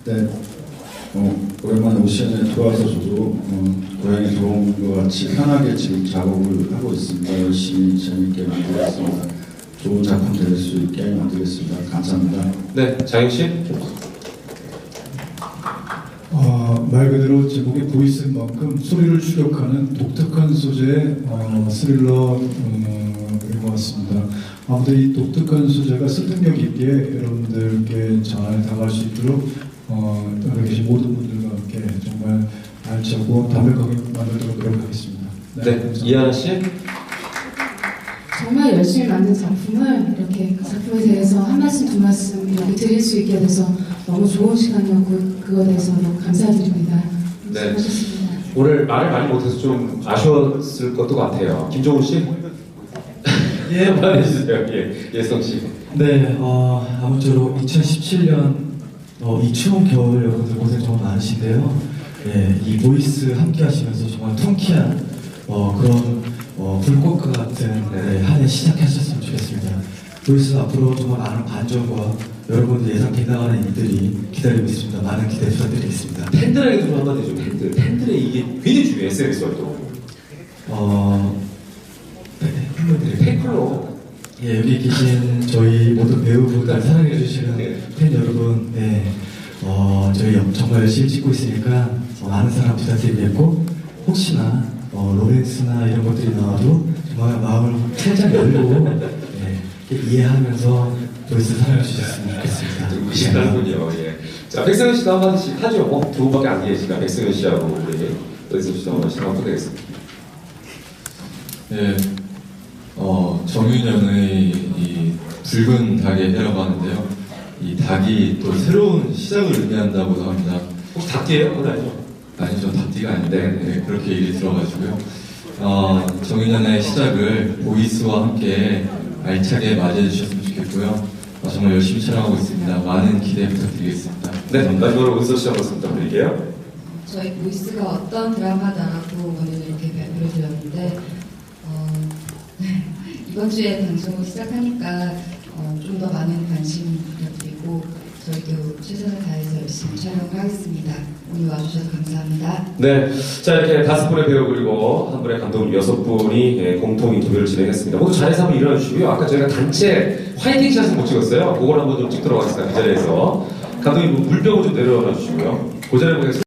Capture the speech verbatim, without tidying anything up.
네, 어, 오랜만에 오시안에 들어와서 저도 어, 고향에 들어온 것 같이 편하게 지금 작업을 하고 있습니다. 열심히 재밌게 만들겠습니다. 좋은 작품 될 수 있게 만들겠습니다. 감사합니다. 네, 장영 씨. 어, 말 그대로 제목의 보이스인 만큼 소리를 추격하는 독특한 소재의 어, 스릴러 어, 그린 것 같습니다. 아무튼 이 독특한 소재가 설득력 있게 여러분들께 잘 다가갈 수 있도록 어, 여기 계신 모든 분들과 함께 정말 알차고 담백하게 만들도록 노력하겠습니다. 네, 이하나 씨. 정말 열심히 만든 작품을 이렇게 그 작품에 대해서 한 말씀 두 말씀 이렇게 드릴 수 있게 돼서 너무 좋은 시간이었고 그거에 대해서 너무 감사드립니다. 네. 수고하셨습니다. 오늘 말을 많이 못해서 좀 아쉬웠을 것도 같아요. 김종훈 씨. 예, 한번 해주세요. 예, 예성 씨. 네, 어, 아무쪼록 이천십칠 년 어, 이 추운 겨울 여러분들 고생 정말 많으신데요. 예, 이 보이스 함께 하시면서 정말 통쾌한 어, 그런 어, 불꽃과 같은 네, 한 해 시작하셨으면 좋겠습니다. 보이스 앞으로 정말 많은 반전과 여러분들 예상 빗나가는 일들이 기다리고 있습니다. 많은 기대 부탁드리겠습니다. 팬들에게 좀 한마디 좀 팬들. 팬들의 이게 굉장히 중요해. 에스엔에스 활동. 어, 네, 팬분들에게 팬클럽. 예, 여기 계신 저희 모든 배우분들 사랑해주시는 네. 팬 여러분, 네, 어, 저희 정말 열심히 찍고 있으니까 어, 많은 사랑 부탁드리겠고, 혹시나 어, 로맨스나 이런 것들이 나와도 정말 마음을 살짝 열고 네, 이해하면서 보이스 사랑해주셨으면 좋겠습니다. 듣고 계시는군요. 예. 자, 백승현 씨도 한마디씩 하죠. 어, 두 분밖에 안 계시니까 백승현 씨하고 우리 여기서 씨도 한마디씩 한번 부탁드리겠습니다. 네, 어, 정윤영의 이 붉은 닭의 해라고 하는데요. 이 닭이 또 새로운 시작을 의미한다고 합니다. 혹시 닭띠예요? 그건 아니죠? 아니죠, 닭띠가 아닌데 네. 네, 그렇게 얘기 들어가지고요. 어, 정윤영의 시작을 보이스와 함께 알차게 맞이해 주셨으면 좋겠고요. 어, 정말 열심히 촬영하고 있습니다. 많은 기대 부탁드리겠습니다. 네, 마지막으로 은서 씨 한 말씀 부탁드릴게요. 저희 보이스가 어떤 드라마다라고 오늘 이렇게 발표를 드렸는데 어, 이번 주에 방송을 시작하니까 어, 좀 더 많은 관심 부탁드리고 저희도 최선을 다해서 열심히 촬영을 하겠습니다. 오늘 와주셔서 감사합니다. 네, 자 이렇게 다섯 분의 배우 그리고 한 분의 감독 여섯 분이 예, 공통 인터뷰를 진행했습니다. 모두 자리에서 한번 일어나 주시고요. 아까 저희가 단체 화이팅 샷을 못 찍었어요. 그걸 한번 좀 찍도록 하겠습니다. 그 자리에서 감독님 물병을 좀 내려놔 주시고요. 그 자리에 보겠습니다.